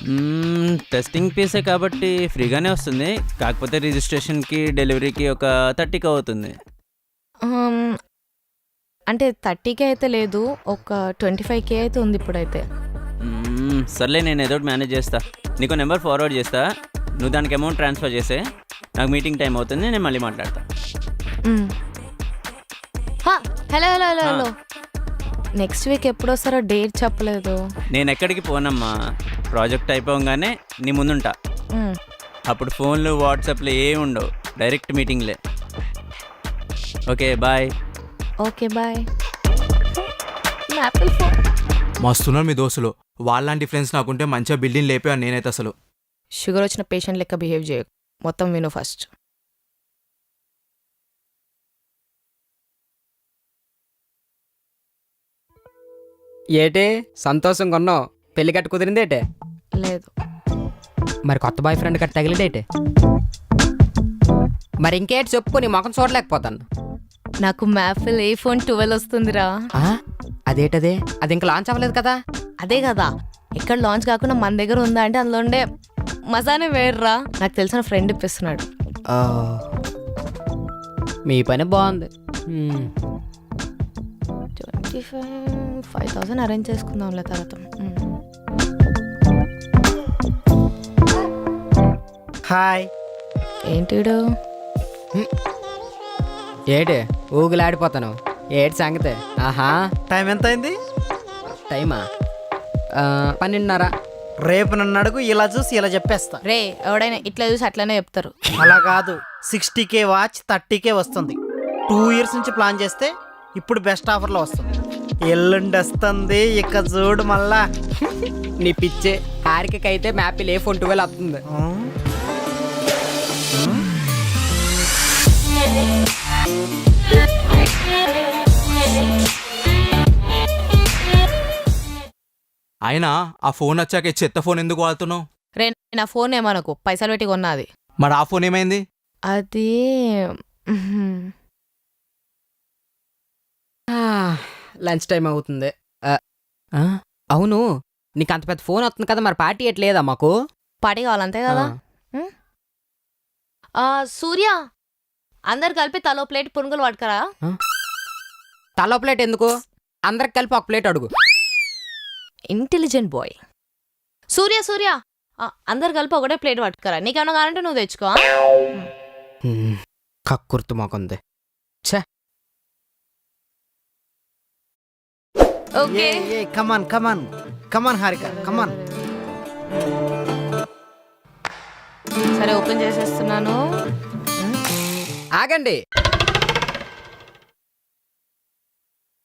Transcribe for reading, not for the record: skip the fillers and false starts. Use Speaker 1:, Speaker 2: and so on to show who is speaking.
Speaker 1: Testing ఫీసే కాబట్టి ఫ్రీగానే వస్తుంది. కాకపోతే రిజిస్ట్రేషన్‌కి, డెలివరీకి ఒక 30,000 అవుతుంది.
Speaker 2: ఆమ్, అంటే 30K అయితే లేదు, ఒక 25K అయితే ఉంది ఇప్పుడైతే.
Speaker 1: సర్లే నేను ఏదో ఒకటి మేనేజ్ చేస్తా. నీకు నెంబర్ ఫార్వర్డ్ చేస్తా. నువ్వు దానికి అమౌంట్ ట్రాన్స్ఫర్ చేసే. నాకు మీటింగ్ టైం అవుతుంది. నేను మళ్ళీ మాట్లాడతా.
Speaker 2: Hello hello hello hello next week ఎప్పుడు వస్తారో డేట్ చెప్పలేదు.
Speaker 1: నేను ఎక్కడికి పోనమ్మా. ప్రాజెక్ట్ అయిపోగానే నీ ముందుంటా.
Speaker 2: మ్,
Speaker 1: అప్పుడు ఫోన్లు, వాట్సాప్లు ఏమి ఉండవు. డైరెక్ట్ మీటింగ్లే. Okay bye.
Speaker 2: Okay bye. Apple phone.
Speaker 3: మస్తున్నారు మీ దోస్తులు. వాళ్ళలాంటి ఫ్రెండ్స్ నాకుంటే మంచిగా బిల్డింగ్ లేపాను నేనైతే అసలు.
Speaker 2: షుగర్ వచ్చిన పేషెంట్ లెక్క బిహేవ్ చేయకు. మొత్తం విను ఫస్ట్.
Speaker 4: ఏటే సంతోషంగా ఉన్నావు? పెళ్లి కట్టు కుదిరిందేటే?
Speaker 2: లేదు.
Speaker 4: మరి కొత్త బాయ్ ఫ్రెండ్ కట్ట తగిలిదేటే? మరి ఇంకేటి చెప్పు, నీ ముఖం చూడలేకపోతాను.
Speaker 2: నాకు మ్యాఫిల్ iPhone 12 వస్తుందిరా.
Speaker 4: ఆ? అదేటదే? అది ఇంకా లాంచ్ అవ్వలేదు కదా?
Speaker 2: అదే కదా, ఎక్కడ లాంచ్ కాకుండా మన దగ్గర ఉందా అంటే అందులో ఉండే మజానే వేర్రా. నాకు తెలిసిన ఫ్రెండ్ ఇప్పిస్తున్నాడు.
Speaker 4: ఆ, మీ పని బాగుంది.
Speaker 2: 5,000 అరేంజ్ చేసుకుందాంలే తర్వాత.
Speaker 5: హాయ్.
Speaker 2: ఏంటిడు?
Speaker 4: ఏటే ఊగులాడిపోతాను? ఏటి సంగతే? ఆహా,
Speaker 5: టైం ఎంత అయింది?
Speaker 4: టైమా 12:30.
Speaker 5: రేపు నన్ను అడుగు, ఇలా చూసి ఇలా చెప్పేస్తా.
Speaker 2: రే, ఎవడైనా ఇట్లా చూసి అట్లనే చెప్తారు.
Speaker 5: అలా కాదు, 60K వాచ్ 30K వస్తుంది. 2 years నుంచి ప్లాన్ చేస్తే ఇప్పుడు బెస్ట్ ఆఫర్లో వస్తుంది. ఎల్లుండి వస్తుంది, ఇక చూడు మళ్ళా.
Speaker 4: నీ పిచ్చే. హారికైతే మ్యాపిల్ iPhone 12 వస్తుంది.
Speaker 3: అయినా ఆ ఫోన్ వచ్చాక ఈ చెత్త ఫోన్ ఎందుకు వాడుతున్నావు?
Speaker 2: రే, నా ఫోన్ ఏమనకు, పైసలు పెట్టి కొన్నది.
Speaker 3: మరి ఆ ఫోన్ ఏమైంది?
Speaker 2: అది
Speaker 4: లంచ్ టైం అవుతుంది. అవును, నీకు అంత పెద్ద ఫోన్ వస్తుంది కదా, మరి పార్టీ ఎట్లేదా మాకు?
Speaker 2: పార్టీ కావాలంతే కదా. సూర్య, అందరు కలిపి తలో ప్లేట్ పునుగులు పట్టుకరా.
Speaker 4: తలో ప్లేట్ ఎందుకు? అందరికి కలిపి ఒక ప్లేట్ అడుగు.
Speaker 2: Intelligent boy. సూర్య సూర్య, అందరు కలిపి ఒకటే ప్లేట్ పట్టుకరా. నీకేమన్నా కావాలంటే నువ్వు తెచ్చుకో.
Speaker 4: కక్కుర్తు మాకుంది.
Speaker 2: Okay,
Speaker 5: come on come on come on Harika, come on.
Speaker 2: సరే ఓపెన్ చేసేస్తున్నాను.
Speaker 4: ఆగండి,